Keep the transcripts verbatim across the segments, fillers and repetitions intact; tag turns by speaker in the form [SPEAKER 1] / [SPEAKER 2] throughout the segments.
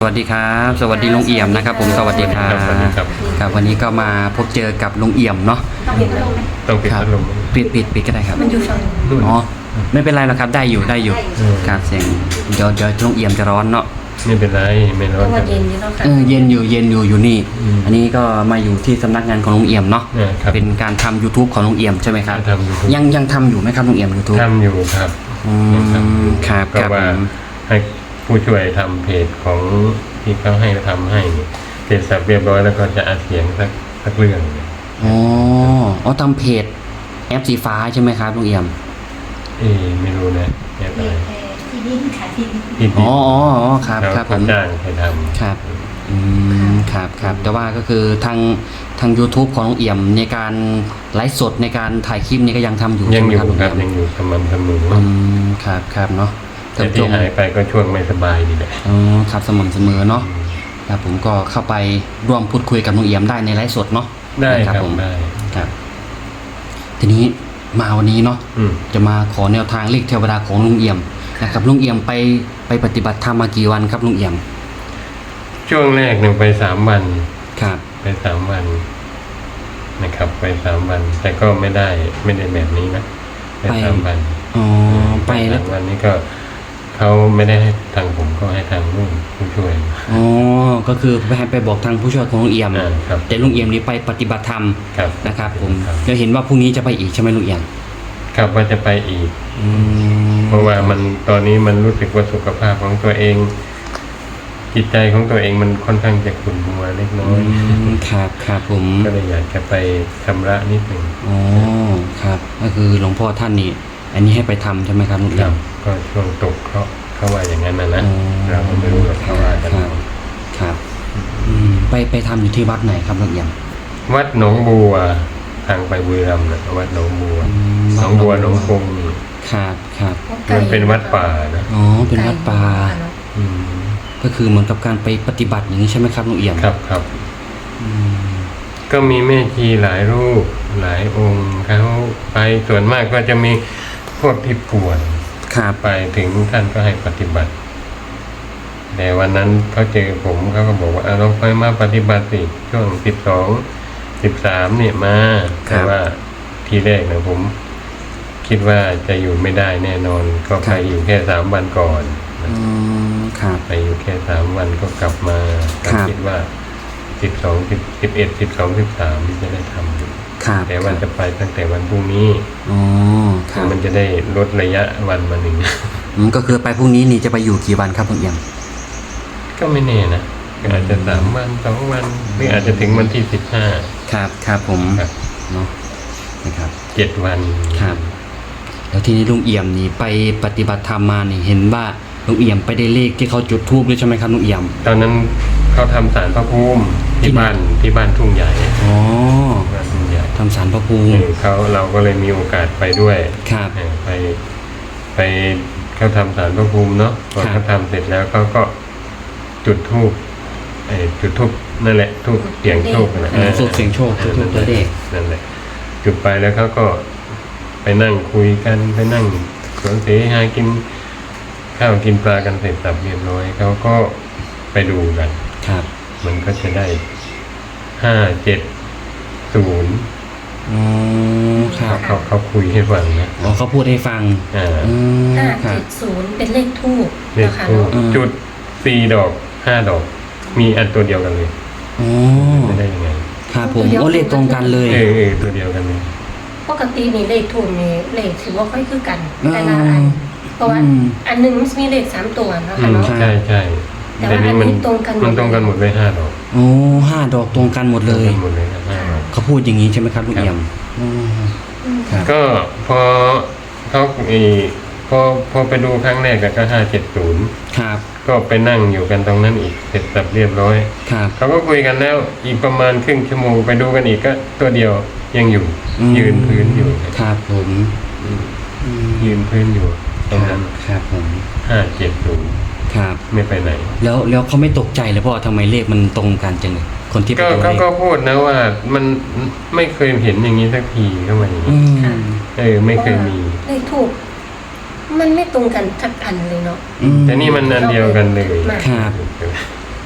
[SPEAKER 1] สวัสดีครับสวัสดีลุงเอี่ยมนะครับผมสวัสดีครับครับวันนี้ก็มาพบเจอกับลุงเอี่ยมเนาะ
[SPEAKER 2] ต้องปิดพัดลมไหม
[SPEAKER 3] ต้องปิด
[SPEAKER 1] ครับ
[SPEAKER 3] พัดลม
[SPEAKER 1] ปิดปิดปิดก็ได้ครับ
[SPEAKER 2] มันอยู่ฝั่งนู้น
[SPEAKER 1] อ๋อไม่เป็นไรหรอกครับได้อยู่ได้อยู่ครับเสียงเดี๋ยวเดี๋ยวลุงเอี่ยมจะร้อนเนาะ
[SPEAKER 3] ไม่เป็นไรไม่ร้
[SPEAKER 2] เพ
[SPEAKER 3] อน
[SPEAKER 2] ราะ
[SPEAKER 3] ค
[SPEAKER 2] ว่า
[SPEAKER 3] รับ
[SPEAKER 2] เย็นอยู่แล้วค่ะ
[SPEAKER 1] เออเย็นอยู่เย็นอยู่อยู่นี่
[SPEAKER 3] อืม
[SPEAKER 1] อันนี้ก็มาอยู่ที่สำนักงานของลุงเอี่ยมเนาะ
[SPEAKER 3] เนี่ยครับ
[SPEAKER 1] เป็นการทำ YouTube ของลุงเอี่ยมใช่ไหมครับ
[SPEAKER 3] ทำ YouTube
[SPEAKER 1] ยังยังทำอยู่ไหมครับลุงเอี่ยม YouTube
[SPEAKER 3] ทำอยู่ครับ
[SPEAKER 1] อืมครับ
[SPEAKER 3] ก็
[SPEAKER 1] ครับ
[SPEAKER 3] ว่า
[SPEAKER 1] ผม
[SPEAKER 3] ให้ผู้ช่วยทำเพจของที่เขาให้ทำให้เนี่ยเสร็จสับเรียบร้อยแล้วก็จะอัดเสียงสักสักเรื่องเนี่ย
[SPEAKER 1] อ๋ออ๋อทำเพจแอปสีฟ้าใช่ไหมครับลุงเอี่ยม
[SPEAKER 3] เอ๊ะไม่รู้นะแอบอะไร
[SPEAKER 2] ที่ดินค่ะที่ดิน
[SPEAKER 3] ที่
[SPEAKER 1] อ๋ออ๋ออ๋อครับ
[SPEAKER 3] เขา
[SPEAKER 1] ครับผ
[SPEAKER 3] เขา
[SPEAKER 1] ม
[SPEAKER 3] จ้างให้ทำ
[SPEAKER 1] ครับ อืม ครับครับ แต่ว่าก็คือทางทาง YouTube ของลุงเอี่ยมในการไลฟ์สดในการถ่ายคลิปนี้ก็ยังทำอยู่
[SPEAKER 3] ยั
[SPEAKER 1] ใช่
[SPEAKER 3] ง
[SPEAKER 1] ไหม
[SPEAKER 3] อยู่
[SPEAKER 1] ครับลุง
[SPEAKER 3] ครับ
[SPEAKER 1] เอี่ยม
[SPEAKER 3] ยังอยู่สม่ำเสมอ
[SPEAKER 1] อืม ครับครับเนาะ
[SPEAKER 3] แต่ที่หายไปก็ช่วงไม่สบายนี่แหละ
[SPEAKER 1] อ๋อครับสม่ำเสมอเนาะ ครับผมก็เข้าไปร่วมพูดคุยกับลุงเอี่ยมได้ในไลฟ์สดเนาะ
[SPEAKER 3] ได้
[SPEAKER 1] นะครับ
[SPEAKER 3] ครับ
[SPEAKER 1] ผม
[SPEAKER 3] ได้
[SPEAKER 1] ครับ ทีนี้มาวันนี้เนาะ
[SPEAKER 3] อืม
[SPEAKER 1] จะมาขอแนวทางเลขเทวดาของลุงเอี่ยมนะครับลุงเอี่ยมไปไปปฏิบัติธรรมมากี่วันครับลุงเอี่ยม
[SPEAKER 3] ช่วงแรกหนึ่งไปสามวัน
[SPEAKER 1] ครับ
[SPEAKER 3] ไปสามวันนะครับ ไปสามวัน แต่ก็ไม่ได้ไม่ได้แบบนี้นะไปสามวัน
[SPEAKER 1] อ๋อ ไปแล้ว
[SPEAKER 3] สามวันนี้ก็เขาไม่ได้ให้ทางผมก็ให้ทางลูกผู้ช่วย
[SPEAKER 1] อ๋อ ก็คือไปให้ไปบอกทางผู้ช่วยของลุงเอี่ยม
[SPEAKER 3] อ่าครับ
[SPEAKER 1] แต่ลุงเอี่ยมนี้ไปปฏิบัติธรรม
[SPEAKER 3] ครับ
[SPEAKER 1] นะครับผม
[SPEAKER 3] ครับ
[SPEAKER 1] เดี๋ยวเห็นว่าพรุ่งนี้จะไปอีกใช่ไหมลุงเอี่ยม
[SPEAKER 3] ครับว่าจะไปอีก
[SPEAKER 1] อืม
[SPEAKER 3] เพราะว่ามันตอนนี้มันรู้สึกว่าสุขภาพของตัวเอง จิตใจของตัวเองมันค่อนข้างจะขุ่นมัวเล็กน้อ
[SPEAKER 1] อื
[SPEAKER 3] ย
[SPEAKER 1] มครับครับผม
[SPEAKER 3] ก็เลยอยากจะไปชำระนิดหนึ่ง
[SPEAKER 1] อ๋อ ครับ ก็คือหลวงพ่อท่านนี่ อันนี้ให้ไปทำใช่ไหมครับลุง
[SPEAKER 3] ค
[SPEAKER 1] เอี่
[SPEAKER 3] รั
[SPEAKER 1] ย
[SPEAKER 3] บ
[SPEAKER 1] ม
[SPEAKER 3] ก็ช่วงตกเขาเขาว่าอย่างนั้นนะนะ
[SPEAKER 1] อ๋อ
[SPEAKER 3] เราก็ไม่รู้หรอกเขาว่ากัน
[SPEAKER 1] ครับ ครับ อืม ไปไปทำอยู่ที่วัดไหนครับลุงเอี่ยม
[SPEAKER 3] วัดหนองบัวทางไปบุรีรัมย์นะวัดหนองบัว
[SPEAKER 1] อืม
[SPEAKER 3] หนองบัวหนองคงนี่
[SPEAKER 1] ครับครับ
[SPEAKER 3] มันเป็นวัดป่านะ
[SPEAKER 1] อ๋อ เป็นวัดป่า
[SPEAKER 3] อืม
[SPEAKER 1] ก็คือเหมือนกับการไปปฏิบัติอย่างนี้ใช่ไหมครับลุงเอี่ยม
[SPEAKER 3] ครับครับ
[SPEAKER 1] อืม
[SPEAKER 3] ก็มีแม่ชีหลายรูปหลายองค์เขาไปส่วนมากก็จะมีพวกที่ป่วย
[SPEAKER 1] ครับ
[SPEAKER 3] ไปถึงท่านก็ให้ปฏิบัติ แต่วันนั้นเขาเจอผมเขาก็บอกว่าเอาลองไปมาปฏิบัติสิช่วงสิบสองสิบสามเนี่ยมาแต่ว่าทีแรกนะผม คิดว่าจะอยู่ไม่ได้แน่นอน ก็ไปอยู่แค่สามวันก่อนนะ
[SPEAKER 1] อืม ครับ
[SPEAKER 3] ไปอยู่แค่สามวันก็กลับมา
[SPEAKER 1] ครับ
[SPEAKER 3] คิดว่าสิบสองสิบสิบเอ็ดสิบสองสิบสามจะได้ทำอยู่
[SPEAKER 1] ครับ
[SPEAKER 3] แต่ว่าจะไปตั้งแต่วันพรุ่งนี้
[SPEAKER 1] อ๋อ ครับ
[SPEAKER 3] มันจะได้ลดระยะวันมาหนึ่ง
[SPEAKER 1] อืมก็คือไปพรุ่งนี้นี่จะไปอยู่กี่วันครับลุงเอี่ยม
[SPEAKER 3] ก็ไม่แน่นะก็อาจจะสามวันสองวันหรืออาจจะถึงวันที่สิบห้า
[SPEAKER 1] ครับ ครับผม
[SPEAKER 3] ครับ
[SPEAKER 1] เนาะ นะครับ
[SPEAKER 3] เจ็ดวัน
[SPEAKER 1] ครับ แล้วทีนี้ลุงเอี่ยมนี่ไปปฏิบัติธรรมมานี่เห็นว่าลุงเอี่ยมไปได้เลขที่เขาจุดธูปด้วยใช่ไหมครับลุงเอี่ยม
[SPEAKER 3] ตอนนั้นเขาทำศาลพระภูมิ
[SPEAKER 1] ที่
[SPEAKER 3] ที่
[SPEAKER 1] ไหน
[SPEAKER 3] บ้านที่บ้านทุ่งใหญ่
[SPEAKER 1] อ๋อ
[SPEAKER 3] บ้านทุ่งใหญ่
[SPEAKER 1] ทำสารพระภูมิ
[SPEAKER 3] เออเขาเราก็เลยมีโอกาสไปด้วย
[SPEAKER 1] ครับ
[SPEAKER 3] เออไปไปเขาทำศาลพระภูมิเนาะพอ
[SPEAKER 1] ครับ
[SPEAKER 3] เขาทำเสร็จแล้วเขาก็จุดธูปเออจุดธูปนั่นแหละธูปเสียงโชคนั่นแหละ
[SPEAKER 1] เออสูตรเสียงโชค
[SPEAKER 3] ออ
[SPEAKER 1] ทูบตัวเลข
[SPEAKER 3] นั่นแหละจุดไปแล้วเขาก็ไปนั่งคุยกันไปนั่งสวนเสหากินข้าวกินปลากันเสร็จสับเรียบร้อยเขาก็ไปดูกัน
[SPEAKER 1] ครับ
[SPEAKER 3] มันก็จะได้ห้าเจ็ดศูนย์
[SPEAKER 1] อ๋อ ครับ
[SPEAKER 3] เขาเขาคุยให้ฟังนะ
[SPEAKER 1] อ๋อเขาพูดให้ฟัง
[SPEAKER 3] อ่า
[SPEAKER 1] อืม
[SPEAKER 2] ห้า
[SPEAKER 1] ครั
[SPEAKER 2] เจ็
[SPEAKER 1] บ
[SPEAKER 2] ดศูนย์เป็นเลขทูบ
[SPEAKER 3] เลข
[SPEAKER 2] นะคะ
[SPEAKER 3] ทูป
[SPEAKER 2] เนาะ
[SPEAKER 3] จุดสี่ดอกห้าดอก มีอันตัวเดียวกันเลย
[SPEAKER 1] อ๋อ
[SPEAKER 3] จะได้ยังไง
[SPEAKER 1] ครับผมโอ้เลขตรงกันเลย
[SPEAKER 3] เออเออตัวเดียวกันเลย
[SPEAKER 2] ปกตินี่เลขทูบนี่เลขถือว่าค่อยคือกัน
[SPEAKER 1] อืม
[SPEAKER 2] แต่ละอัน เพราะว่า
[SPEAKER 1] อืม
[SPEAKER 2] อันหนึ่งมันมีเลขสามตัวนะ
[SPEAKER 3] อื
[SPEAKER 2] คะ
[SPEAKER 3] ม
[SPEAKER 2] เนาะ
[SPEAKER 3] ใช่ใช่
[SPEAKER 2] แต่ว่าอันนี้ตรงกันหมด
[SPEAKER 3] มันตรงกันหมดเลยห้าดอก
[SPEAKER 1] โอ้ห้าดอกตรงกันหมดเลย
[SPEAKER 3] ตรงกันหมดเลยนะห้าดอก
[SPEAKER 1] เขาพูดอย่างนี้ใช่ไหมครับลุงเอี่ยมอืม
[SPEAKER 2] อืม
[SPEAKER 1] ครับ
[SPEAKER 3] ก็พอเขาอีพอพอไปดูครั้งแรกก็ห้าเจ็ดศูนย์
[SPEAKER 1] ครับ
[SPEAKER 3] ก็ไปนั่งอยู่กันตรงนั้นอีกเสร็จสับเรียบร้อย
[SPEAKER 1] ครับ
[SPEAKER 3] เขาก็คุยกันแล้วอีกประมาณครึ่งชั่วโมงไปดูกันอีกก็ตัวเดียวยังอยู่
[SPEAKER 1] อืม
[SPEAKER 3] ยืนพื้นอยู่
[SPEAKER 1] ครับผมอืม
[SPEAKER 3] ยืนพื้นอยู่ตรงนั้น
[SPEAKER 1] ครับผม
[SPEAKER 3] ห้าเจ็ดศูนย์
[SPEAKER 1] ครับ
[SPEAKER 3] ไม่ไปไหน
[SPEAKER 1] แล้วแล้วเขาไม่ตกใจเลยเพราะว่าทำไมเลขมันตรงกันจังเลยคนที่ไป
[SPEAKER 3] ก็
[SPEAKER 1] ดูเล
[SPEAKER 3] เขา
[SPEAKER 1] ข
[SPEAKER 3] ก็พูดนะว่ามันไม่เคยเห็นอย่างนี้สักทีเข้ามาอย่าง
[SPEAKER 1] อื
[SPEAKER 3] นี้
[SPEAKER 1] ม
[SPEAKER 3] เออไม่เคยมี
[SPEAKER 2] เลขทูบมันไม่ตรงกันทักอันเลยเนาะ
[SPEAKER 1] อืม
[SPEAKER 3] แต่นี่มันอันเดียวกันเลย
[SPEAKER 2] มาก
[SPEAKER 1] ครับ
[SPEAKER 2] อ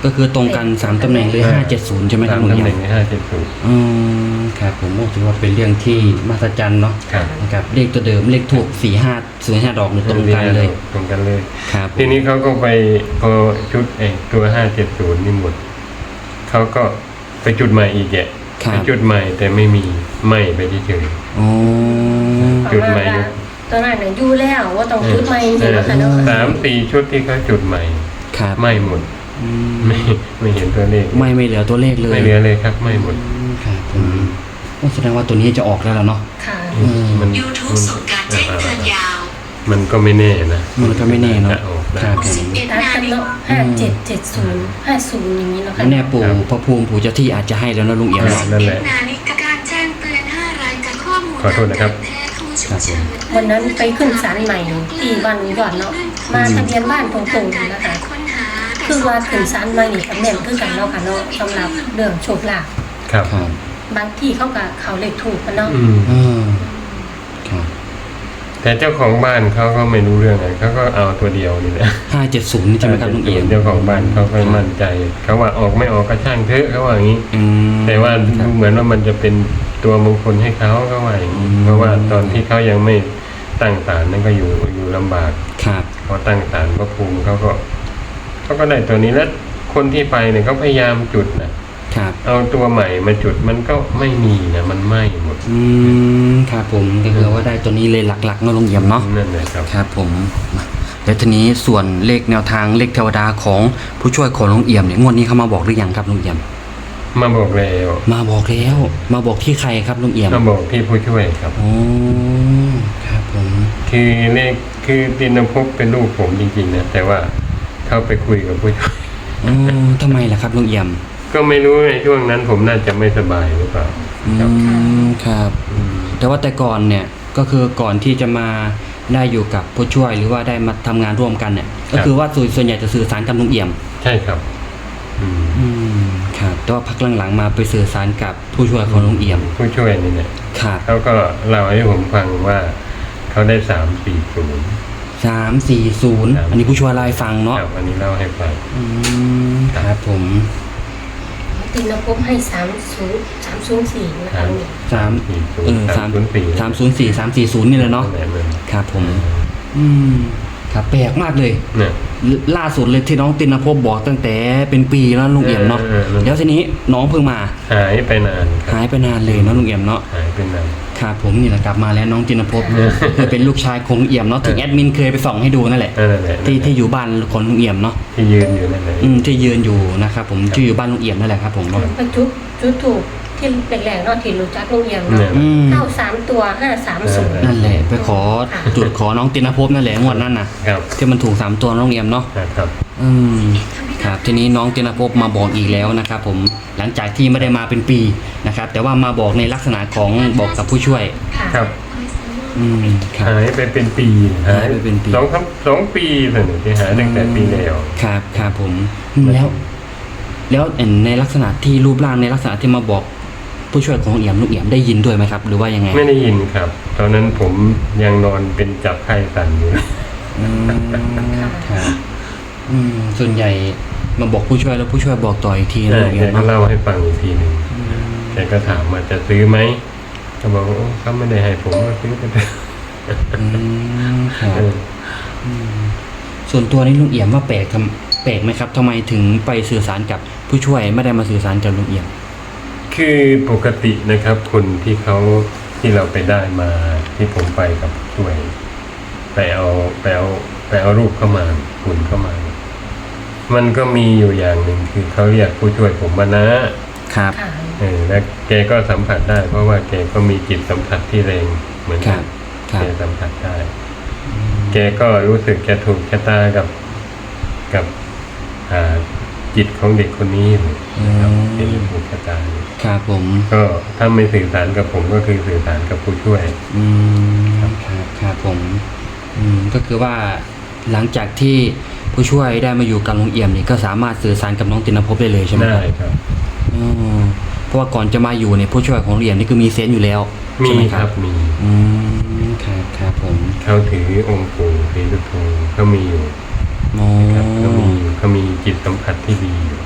[SPEAKER 1] ก็คือตรงกันสามตำแหน่งเลยห้าเจ็ดศูนย์ใช่ไหมครับ
[SPEAKER 3] สาม
[SPEAKER 1] ลุง
[SPEAKER 3] ตำ
[SPEAKER 1] เอี่
[SPEAKER 3] แห
[SPEAKER 1] ย
[SPEAKER 3] น่ง
[SPEAKER 1] ม
[SPEAKER 3] ในห้าเจ็ดศูนย์
[SPEAKER 1] อืมครับผมโอ้ถือว่าเป็นเรื่องที่มหัศจรรย์เนาะ
[SPEAKER 3] ครับ
[SPEAKER 1] นะครับเลขตัวเดิมเลขถูกสี่ห้าศูนย์ห้าดอกเนี่ยตรงกันเลย
[SPEAKER 3] ตรงกันเลย
[SPEAKER 1] ครับ
[SPEAKER 3] ทีนี้เขาก็ไปพอชุดไอ้ตัวห้าเจ็ดศูนย์นี่หมดเขาก็ไปจุดใหม่อีกแก
[SPEAKER 1] ครั
[SPEAKER 3] ไป
[SPEAKER 1] บ
[SPEAKER 3] จุดใหม่แต่ไม่มีไหม่ไปเฉย
[SPEAKER 1] อ๋อ
[SPEAKER 3] จุดใหม่
[SPEAKER 2] ประาณว่าตอนนั้นน่ะอยู่แล้วว่าต้องจุดใหม่จริงๆนะคะเนาะ
[SPEAKER 3] สามสี่ชุดที่เขาจุดใหม่
[SPEAKER 1] ครับ
[SPEAKER 3] ไหม่หมด
[SPEAKER 1] อืม
[SPEAKER 3] ไม่ไม่เห็นตัวเลข
[SPEAKER 1] ไม่ไม่เหลือตัวเลขเลย
[SPEAKER 3] ไม่เหลือเลยครับไหม่หมด
[SPEAKER 1] อืมครับผมโอ้แสดงว่าตัวนี้จะออกแล้วล่ะเนาะ
[SPEAKER 2] ค่ะ
[SPEAKER 1] อืม
[SPEAKER 3] มัน
[SPEAKER 4] YouTube ส่งการแจ้งเตือนยาว
[SPEAKER 3] มันก็ไม่แน่นะ
[SPEAKER 1] มันก็ไม่แน่เนาะ
[SPEAKER 3] จะออกได้
[SPEAKER 1] ครับผม
[SPEAKER 2] ตัดกันเนาะห้าเจ็ดเจ็ดศูนย์ห้าศูนย์อย่างนี้เนาะ
[SPEAKER 1] แล้
[SPEAKER 2] ค่ะ
[SPEAKER 1] วแน่ปู่พระภูมิปู่เจ้าที่อาจจะให้แล้วนะลุงเอี่ยมเนาะ
[SPEAKER 3] นั่นแหละ
[SPEAKER 4] นาฬิกาการแจ้งเตือนห้ารายการข้อมูล
[SPEAKER 3] ขอโทษนะครับ
[SPEAKER 4] แพทย์ผู้ฉุ
[SPEAKER 1] ครั
[SPEAKER 4] ก
[SPEAKER 1] บผ
[SPEAKER 4] เฉิ
[SPEAKER 1] ม
[SPEAKER 4] น
[SPEAKER 2] วันนั้นไปขึ้นศาลใหม่ที่บ้านลุงยอดเนาะมาทะเบียนบ้านตรงๆนะคะ
[SPEAKER 4] ค้นหา
[SPEAKER 2] คือว่าขึ้นศาลใหม่นี่ตำแหน่งคือกันเนาะค่ะเนาะสำหรับเรื่องโชคลาภ
[SPEAKER 3] ครับ
[SPEAKER 1] ครับ
[SPEAKER 2] บางที่เขาก็เขาเลขถูกกันเนาะ
[SPEAKER 3] อืม
[SPEAKER 1] อืมครับ
[SPEAKER 3] แต่เจ้าของบ้านเขาก็ไม่รู้เรื่องอะไรเขาก็เอาตัวเดียวนี่แหละ
[SPEAKER 1] ห้าเจ็ดศูนย์ใช่ไหมครับลุงเอี่ยม
[SPEAKER 3] เจ้าของบ้านเขาก็มั่นใจเขาว่าออกไม่ออกก็ช่างเถอะเขาว่าอย่างนี้
[SPEAKER 1] อืม
[SPEAKER 3] แต่ว่า
[SPEAKER 1] ครั
[SPEAKER 3] ดู
[SPEAKER 1] บ
[SPEAKER 3] เหมือนว่ามันจะเป็นตัวมงคลให้เขาเขาว่าอย่างนี้
[SPEAKER 1] อืม
[SPEAKER 3] เพราะว่าตอนที่เขายังไม่ตั้งศาลนั่นก็อยู่อยู่ลำบาก
[SPEAKER 1] ครับ
[SPEAKER 3] พอตั้งศาลพระภูมิเขาก็เขาก็ได้ตัวนี้แล้วคนที่ไปเนี่ยเขาพยายามจุดนะครับ เอาตัวใหม่มาจุดมันก็ไม่มีนะมันไหม้หมด
[SPEAKER 1] อืมครับผมก็คือว่าได้ตัวนี้เลยหลักๆเนาะลุงเอี่ยมเนาะ
[SPEAKER 3] นั่นแหละครับ
[SPEAKER 1] ครับผมมาแล้วทีนี้ส่วนเลขแนวทางเลขเทวดาของผู้ช่วยของลุงเอี่ยมเนี่ยงวดนี้เขามาบอกหรือยังครับลุงเอี่ยม
[SPEAKER 3] มาบอกแล้ว
[SPEAKER 1] มาบอกแล้ว มาบอกที่ใครครับลุงเอี่ยม
[SPEAKER 3] มาบอกที่ผู้ช่วยครับ
[SPEAKER 1] โอ้ครับผม
[SPEAKER 3] คือเลขคือตินภพเป็นลูกผมจริงๆนะแต่ว่าเข้าไปคุยกับผู้ช่วย
[SPEAKER 1] อ๋อทำไมล่ะครับลุงเอี่ยม
[SPEAKER 3] ก็ไม่รู้ในช่วงนั้นผมน่าจะไม่สบายหรือเปล่า
[SPEAKER 1] อืมครับ แต่ว่าแต่ก่อนเนี่ยก็คือก่อนที่จะมาได้อยู่กับผู้ช่วยหรือว่าได้มาทำงานร่วมกันเนี่ย ก็คือว่าส่วนส่วนใหญ่จะสื่อสารกับลุงเอี่ยม
[SPEAKER 3] ใช่ครับ อืม
[SPEAKER 1] อืมครับแต่ว่าพักหลังๆมาไปสื่อสารกับผู้ช่วยของลุงเอี่ยม
[SPEAKER 3] ผู้ช่วยนี่เนี่ย
[SPEAKER 1] ครับ
[SPEAKER 3] เขาก็เล่าให้ผมฟังว่าเขาได้สามสี่ศูนย์
[SPEAKER 1] สามสี่ศูนย์อันนี้ผู้ช่วยไลฟ์ฟังเนาะ
[SPEAKER 3] ครับอันนี้เล่าให้ฟัง
[SPEAKER 1] อืมครับผม
[SPEAKER 2] ตินภพให้สามศูนย์สามศูนย์สี่นะคะลุง
[SPEAKER 1] สาม
[SPEAKER 3] สี่ศูน
[SPEAKER 1] เอ
[SPEAKER 3] ย์
[SPEAKER 1] อ
[SPEAKER 3] สามศูนย์สี่
[SPEAKER 1] สามศูนย์สี่สามสี่ศูนย์นี่เลยเนาะ
[SPEAKER 3] นั่นแหละมัน
[SPEAKER 1] ครับผม อืมครับแปลกมากเลย
[SPEAKER 3] เนี่ย
[SPEAKER 1] ล่าสุดเลยที่น้องตินภพบอกตั้งแต่เป็นปีแล้วลุงเอี่ยมเนาะ
[SPEAKER 3] เออเออเออ
[SPEAKER 1] แล้วทีนี้น้องเพิ่งมา
[SPEAKER 3] หายไปนานครับ
[SPEAKER 1] หายไปนานเลยเนาะลุงเอี่ยมเนาะ
[SPEAKER 3] หายไปนาน
[SPEAKER 1] ครับผมนี่แหละกลับมาแล้วน้องตินภพคือเป็นลูกชายของลุงเอี่ยมเนาะที่แอดมินเคยไปส่องให้ดูนั่นแหละ
[SPEAKER 3] นั่นแหละ
[SPEAKER 1] ที่ที่อยู่บ้านของลุงเอี่ยมเนาะ
[SPEAKER 3] ที่ยืนอยู่นั่นแหละ
[SPEAKER 1] อืมที่ยืนอยู่นะครับผมที่อยู่บ้านลุงเอี่ยมนั่นแหละครับผม
[SPEAKER 2] ไปจุดจุดถูกที่แรกๆเนาะที่รู้จักลุงเอี่ยม
[SPEAKER 3] เนี่ย
[SPEAKER 2] เนาะ
[SPEAKER 1] อืม
[SPEAKER 2] เข้าสามตัวห้าสามศูนย์
[SPEAKER 1] นั่นแหละไปขอจุดขอน้องตินภพนั่นแหละงวดนั้นน่ะ
[SPEAKER 3] ครับ
[SPEAKER 1] ที่มันถูกสามตัวน้องเอี่ยมเนาะ
[SPEAKER 3] ครับ
[SPEAKER 1] อืมครับทีนี้น้องตินภพมาบอกอีกแล้วนะครับผมหลังจากที่ไม่ได้มาเป็นปีนะครับแต่ว่ามาบอกในลักษณะของบอกกับผู้ช่วย
[SPEAKER 2] ค่ะ
[SPEAKER 3] ครับ
[SPEAKER 1] อืมครับ
[SPEAKER 3] หายไปเป็นปี
[SPEAKER 1] หายไปเป็นปี
[SPEAKER 3] สองครับสองปีเลยเนี่ยที่หายตั้งแต่ปีแล้ว
[SPEAKER 1] ครับครับผมอืมแล้ว แล้วในลักษณะที่รูปร่างในลักษณะที่มาบอกผู้ช่วยของลุงเอี่ยมลุงเอี่ยมได้ยินด้วยไหมครับ หรือว่ายังไง
[SPEAKER 3] ไม่ได้ยินครับ ตอนนั้นผมยังนอนเป็นจับไข้สั่นอยู่
[SPEAKER 1] อืมครับอืมส่วนใหญ่มาบอกผู้ช่วยแล้วผู้ช่วยบอกต่ออีกทีนะ
[SPEAKER 3] ใช่
[SPEAKER 1] ลุง
[SPEAKER 3] แก
[SPEAKER 1] เอี่ยม
[SPEAKER 3] ก็
[SPEAKER 1] เนาะ
[SPEAKER 3] เล่าให้ฟังอีกทีหนึ่งแกก็ถามว่าจะซื้อไหมก็บอกว่าโอ้เขาไม่ได้ให้ผมก็ซื้อไปเถอะ
[SPEAKER 1] อืมครับ
[SPEAKER 3] เออ
[SPEAKER 1] อืมส่วนตัวนี้ลุงเอี่ยมว่าแปลกทำแปลกไหมครับทำไมถึงไปสื่อสารกับผู้ช่วยไม่ได้มาสื่อสารกับลุงเอี่ยม
[SPEAKER 3] คือปกตินะครับ คนที่เขาที่เราไปได้มาที่ผมไปกับช่วย ไปเอาไปเอาไปเอารูปเข้ามาคุณเข้ามา มันก็มีอยู่อย่างหนึ่งคือเขาเรียกผู้ช่วยผมมานะครับ
[SPEAKER 2] ค่ะ
[SPEAKER 3] เออและแกก็สัมผัสได้ เพราะว่าแกก็มีจิตสัมผัสที่แรงเหมือน
[SPEAKER 1] ค
[SPEAKER 3] กั
[SPEAKER 1] รั
[SPEAKER 3] น
[SPEAKER 1] บครับ
[SPEAKER 3] แกสัมผัสได้ แกก็รู้สึกแกถูกชะตากับกับอ่าจิตของเด็กคนนี้อยู่นะครับเป็นถูกชะตาอยู่
[SPEAKER 1] ครับผม
[SPEAKER 3] ก็ถ้าไม่สื่อสารกับผมก็คือสื่อสารกับผู้ช่วย
[SPEAKER 1] อืมครับครับผมอืมก็คือว่าหลังจากที่ผู้ช่วยได้มาอยู่กับลุงเอี่ยมนี่ก็สามารถสื่อสารกับน้องตินภพได้เลยใช่ไหมค
[SPEAKER 3] ได้
[SPEAKER 1] รับ
[SPEAKER 3] ครับ
[SPEAKER 1] อืมเพราะว่าก่อนจะมาอยู่เนี่ยผู้ช่วยของลุงเอี่ยมนี่คือมีเซนส์อยู่แล้ว
[SPEAKER 3] มี
[SPEAKER 1] ใช่ไหม
[SPEAKER 3] ค
[SPEAKER 1] ค
[SPEAKER 3] รั
[SPEAKER 1] รั
[SPEAKER 3] บบ มี
[SPEAKER 1] อืมครับครับผม
[SPEAKER 3] เขาถือองค์ปู่ศรีสุโธเขามีอยู่
[SPEAKER 1] โอ้
[SPEAKER 3] ครับเขามีเขามีจิตสัมผัสที่ดีอยู่
[SPEAKER 1] อ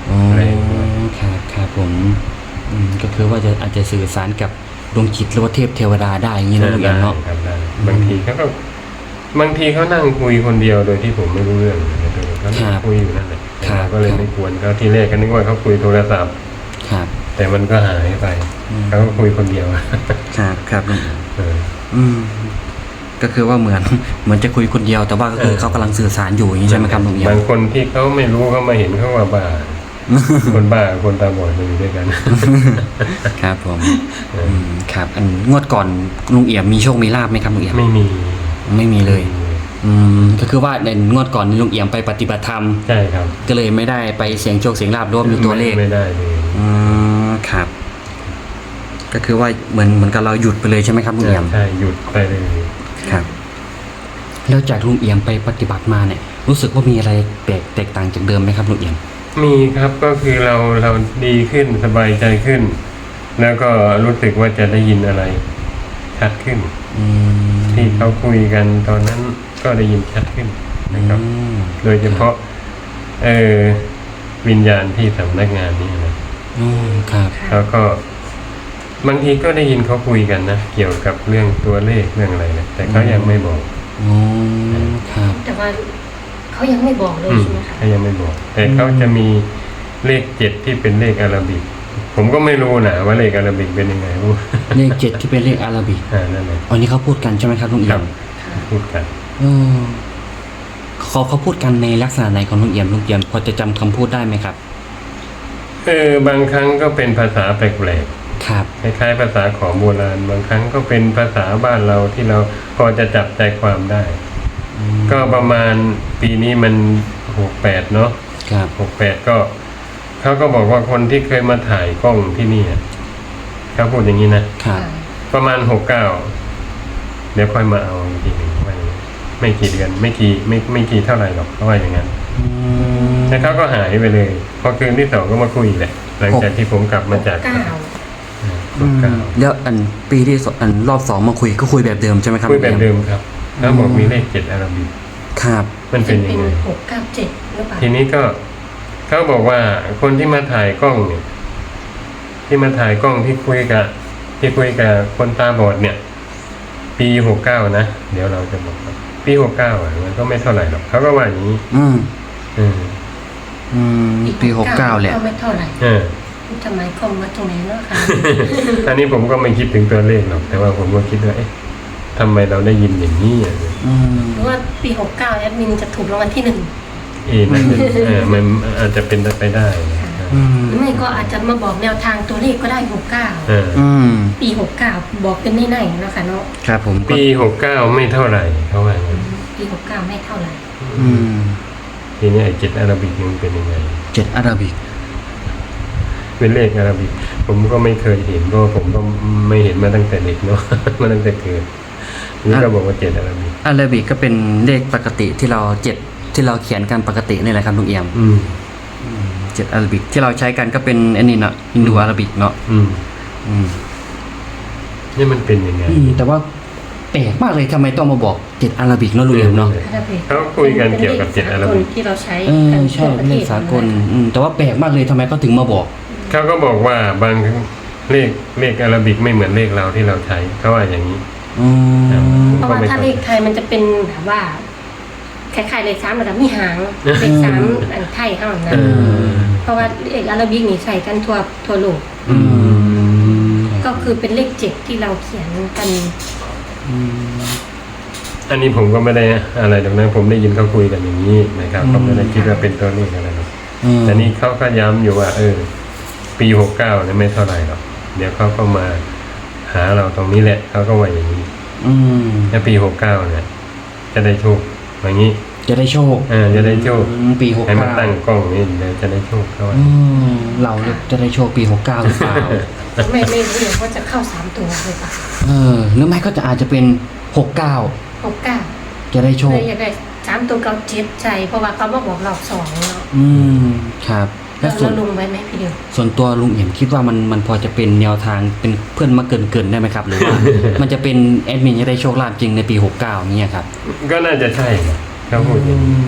[SPEAKER 1] อ๋อ
[SPEAKER 3] แรงด้วย
[SPEAKER 1] ครับครับผมอืมก็คือว่าจะอาจจะสื่อสารกับดวงจิตหรือว่าเทพเทวดาได้อย่างนี้นะลุงเอี่ยมเนาะ
[SPEAKER 3] ได้ครับได้บางทีเขาก็บางทีเขานั่งคุยคนเดียวโดยที่ผมไม่รู้เรื่องนะเขานั่งคุยอยู่นั่นแหละแต่เราก็เลยไม่ควรเขาที่แรกก็นึกว่าเขาคุยโทรศัพท์
[SPEAKER 1] ครับ
[SPEAKER 3] แต่มันก็หายไป
[SPEAKER 1] อืม
[SPEAKER 3] เขาก็คุยคนเดียว
[SPEAKER 1] ครับครับลุง
[SPEAKER 3] เออ
[SPEAKER 1] อืมก็คือว่าเหมือน เหมือนจะคุยคนเดียวแต่ว่าก็คือ
[SPEAKER 3] เออ
[SPEAKER 1] เขากำลังสื่อสารอยู่อย่างนี้ใช่ไหมครับลุงเอี่ยม
[SPEAKER 3] บางคนที่เขาไม่รู้เขามาเห็นเขาว่าบ้า คนบ้ากับคนตาบอดมันอยู่ด้วยกัน
[SPEAKER 1] ครับผม
[SPEAKER 3] เออ
[SPEAKER 1] อืมครับอันงวดก่อนลุงเอี่ยมมีโชคมีลาบไหมครับลุงเอี่ยม
[SPEAKER 3] ไม่มี
[SPEAKER 1] ไม่มีเลย อืมก็คือว่าในงวดก่อนลุงเอี่ยมไปปฏิบัติธรรม
[SPEAKER 3] ใช่ครับ
[SPEAKER 1] ก็เลยไม่ได้ไปเสียงโชคเสียงลาบรวมอยู่ตัวเลข
[SPEAKER 3] ไม่ได้เลย
[SPEAKER 1] อืมครับ ก็คือว่าเหมือนเหมือนกับเราหยุดไปเลยใช่ไหมครับลุงเอี่ยม
[SPEAKER 3] ใช่หยุดไปเลย
[SPEAKER 1] ครับ แล้วจากลุงเอี่ยมไปปฏิบัติมาเนี่ย รู้สึกว่ามีอะไรแปลกแตกต่างจากเดิมไหมครับลุงเอี่ยม
[SPEAKER 3] มีครับก็คือเราเราดีขึ้นสบายใจขึ้น แล้วก็รู้สึกว่าจะได้ยินอะไร ชัดขึ้น
[SPEAKER 1] อืม
[SPEAKER 3] ที่เขาคุยกันตอนนั้นก็ได้ยินชัดขึ้นนะครับ
[SPEAKER 1] อืม
[SPEAKER 3] โดยเฉพาะเออวิญญาณที่สำนักงานนี้นะ
[SPEAKER 1] อืมครับ
[SPEAKER 3] แล้วก็บางทีก็ได้ยินเขาคุยกันนะเกี่ยวกับเรื่องตัวเลขเรื่องอะไรนะแต่เขายังไม่บอก
[SPEAKER 1] อ๋อครับ
[SPEAKER 2] แต่ว่าเขายังไม่บอกเลย
[SPEAKER 3] อืม
[SPEAKER 2] ใช่ไหมคะ
[SPEAKER 3] เขายังไม่บอก แต่เขาจะมีเลขเจ็ดที่เป็นเลขอาราบิก ผมก็ไม่รู้นะว่าเลขอาราบิกเป็นยังไง รู้
[SPEAKER 1] เลขเจ็ดที่เป็นเลขอาราบิก
[SPEAKER 3] อ่านั่นแหละ
[SPEAKER 1] อันนี้เขาพูดกันใช่ไหมครับลุง
[SPEAKER 3] ค
[SPEAKER 1] เอี่
[SPEAKER 3] รั
[SPEAKER 1] ย
[SPEAKER 3] บ
[SPEAKER 1] ม
[SPEAKER 3] พูดกัน
[SPEAKER 1] เออเขาเขาพูดกันในลักษณะไหนของลุงเอี่ยมลุงเอี่ยมพอจะจำคำพูดได้ไหมครับ
[SPEAKER 3] เออบางครั้งก็เป็นภาษาแปลก
[SPEAKER 1] ครับ
[SPEAKER 3] ๆคล้ายๆภาษาของโบราณ บางครั้งก็เป็นภาษาบ้านเราที่เราพอจะจับใจความได้
[SPEAKER 1] อืม
[SPEAKER 3] ก็ประมาณปีนี้มันหกแปดเนาะ
[SPEAKER 1] ครับ
[SPEAKER 3] หกแปดก็เขาก็บอกว่าคนที่เคยมาถ่ายกล้องที่นี่อะเขาพูดอย่างนี้นะครับ ประมาณหกเก้าเดี๋ยวค่อยมาเอาอีกทีหนึ่งว่าอย่างนี้ไม่กี่เดือนไม่กี่ไม่ไม่กี่เท่าไหร่หรอกเขาว่าอย่างนั้น
[SPEAKER 1] อืม
[SPEAKER 3] แล้วเขาก็หายไปเลย พอคืนที่สองก็มาคุยอีกแหละหลังจากที่ผมกลับมาจาก
[SPEAKER 2] เก้า
[SPEAKER 3] หกเก้า
[SPEAKER 1] แล้วอันปีที่สองอันรอบสองมาคุยก็คุยแบบเดิมใช่ไหมครับ
[SPEAKER 3] คุยแบบเดิมครับแล้วบอกมีเลขเจ็ดอาราบิก
[SPEAKER 1] ครับ
[SPEAKER 3] มันเป็น
[SPEAKER 2] เป็
[SPEAKER 3] ยั
[SPEAKER 2] น
[SPEAKER 3] งไง
[SPEAKER 2] หกเก้าเจ็ดหรือเปล่า
[SPEAKER 3] ทีนี้ก็เขาบอกว่าคนที่มาถ่ายกล้องเนี่ย ที่มาถ่ายกล้องที่คุยกับที่คุยกับคนตาบอดเนี่ย ปีหกเก้านะเดี๋ยวเราจะบอกครับปีหกเก้าอ่ะมันก็ไม่เท่าไหร่หรอกเขาก็ว่าอย่างนี้
[SPEAKER 1] อืม
[SPEAKER 3] อืม
[SPEAKER 1] อืมปีหกเก้าแหละ
[SPEAKER 2] ก็ไม่เท่าไหร่
[SPEAKER 3] เออ
[SPEAKER 2] ทำไมกลมมาตรงไหนเนาะค่ะ
[SPEAKER 3] อันนี้ผมก็ไม่คิดถึงตัวเลขหรอกแต่ว่าผมก็คิดว่าเอ๊ะทำไมเราได้ยินอย่างนี้อ่ะ
[SPEAKER 1] อืม
[SPEAKER 2] หรือว่าปีหกเก้าแอดมินจะถูกรางวัลที่หนึ่ง
[SPEAKER 3] เอ็นั่นเป็นเออมันอาจจะเป็นไปได้นะ
[SPEAKER 1] อืม
[SPEAKER 2] หรือไม่ก็อาจจะมาบอกแนวทางตัวเลขก็ได้หกเก้า
[SPEAKER 3] เออ
[SPEAKER 1] อืม
[SPEAKER 2] ปีหกเก้าบอกเป็นในๆนะคะเนาะ
[SPEAKER 1] ครับผมก็
[SPEAKER 3] ปีหกเก้าไม่เท่าไหร่เขาว่าอย่างนั้น
[SPEAKER 2] ปีหกเก้าไม่เท่าไหร่
[SPEAKER 1] อืม
[SPEAKER 3] ทีนี้ไอ้เจ็ดอาราบิกมันเป็นยังไง
[SPEAKER 1] เจ็ดอาราบิก
[SPEAKER 3] เป็นเลขอาราบิก ผมก็ไม่เคยเห็นเพราะผมก็ไม่เห็นมาตั้งแต่เด็กเนาะ มาตั้งแต่เกิดนี่ก็บอกว่าเจ็ดอาราบิก
[SPEAKER 1] อาราบิกก็เป็นเลขปกติที่เราเจ็ดที่เราเขียนกันปกตินี่แหละครับลุงเอี่ยม
[SPEAKER 3] อืม
[SPEAKER 1] เจ็ดอาราบิกที่เราใช้กันก็เป็นอันนี้เนาะอินโดอาราบิกเนาะ
[SPEAKER 3] อืม
[SPEAKER 1] อืม
[SPEAKER 3] นี่มันเป็นยังไง
[SPEAKER 1] อืมแต่ว่าแปลกมากเลยทำไมต้องมาบอกเจ็ดอาราบิกเนาะลุงเอี่ยมเนาะ
[SPEAKER 3] เขาคุยกันเกี่ยวกับเจ็ดอาราบิก
[SPEAKER 2] ที่เราใช้
[SPEAKER 1] เออ
[SPEAKER 2] กัน
[SPEAKER 1] ใช่
[SPEAKER 2] ทั่วประ
[SPEAKER 1] เล
[SPEAKER 2] เท
[SPEAKER 1] ข
[SPEAKER 2] ศ
[SPEAKER 1] สากลอืมแต่ว่าแปลกมากเลยทำไมเขาถึงมาบอก
[SPEAKER 3] เขาก็บอกว่าบางเลขเลขอาราบิกไม่เหมือนเลขเราที่เราใช้เขาว่าอย่างนี้
[SPEAKER 1] อืม
[SPEAKER 2] เพราะว่าถ้าเลขไทยมันจะเป็นแบบว่าคล้ายๆเลขสามแต่มีหางเลขสามอันไทยเท่านั้น
[SPEAKER 3] เออ
[SPEAKER 2] เพราะว่าเลขอาราบิกนี่ใช้กันทั่วทั่วโลก
[SPEAKER 1] อืม
[SPEAKER 2] ก็คือเป็นเลขเจ็ดที่เราเขียนกัน
[SPEAKER 1] อืม
[SPEAKER 3] อันนี้ผมก็ไม่ได้อะไรตรงนั้นผมได้ยินเขาคุยกันอย่างนี้นะครับเขาไม่ได้คิดว่าเป็นตัวเลขอะไรหรอก
[SPEAKER 1] อืม
[SPEAKER 3] แต่นี่เขาก็ย้ำอยู่ว่า เออ ปีหกเก้าเนี่ยไม่เท่าไหร่หรอกเดี๋ยวเขาก็มาหาเราตรงนี้แหละเขาก็ว่าอย่างนี้
[SPEAKER 1] อืม
[SPEAKER 3] ถ้าปีหกเก้าเนี่ย จะได้โชคอย่างนี้
[SPEAKER 1] จะได้โชค
[SPEAKER 3] เออจะได้โชค
[SPEAKER 1] อืมปีหก
[SPEAKER 3] ให้มา
[SPEAKER 1] เก้า
[SPEAKER 3] ตั้งกล้องนี่เดี๋ยวจะได้โชคเขาว่า
[SPEAKER 1] อืมเราจะได้โชคปีหกเก้าหรือเปล่า
[SPEAKER 2] ไม่ไม่รู้เลยว่าจะเข้าสามตัวหรือเปล่า
[SPEAKER 1] เออหรือไม่ก็จะอาจจะเป็นหกเก้า
[SPEAKER 2] หกเก้า
[SPEAKER 1] จะได้โช
[SPEAKER 2] เล
[SPEAKER 1] ค
[SPEAKER 2] ยอยากได้สามตัวเก้าเจ็ดใจเพราะว่าเขามาบอกรอบสองเนาะ
[SPEAKER 1] อืมครับแล้
[SPEAKER 2] แล้ว ว
[SPEAKER 1] ส่วน
[SPEAKER 2] เราลงไว้ไหมพี่เดียว
[SPEAKER 1] ส่วนตัวลุงเอี่ยมคิดว่ามันมันพอจะเป็นแนวทางเป็นเพื่อนมาเกินเกินๆได้ไหมครับ หรือว่า มันจะเป็นแอดมินจะได้โชคลาภจริงในปีหกเก้าเนี่ยครับ
[SPEAKER 3] ก็น่าจะใช่นะเขาพูดอย่างนี้
[SPEAKER 1] แต่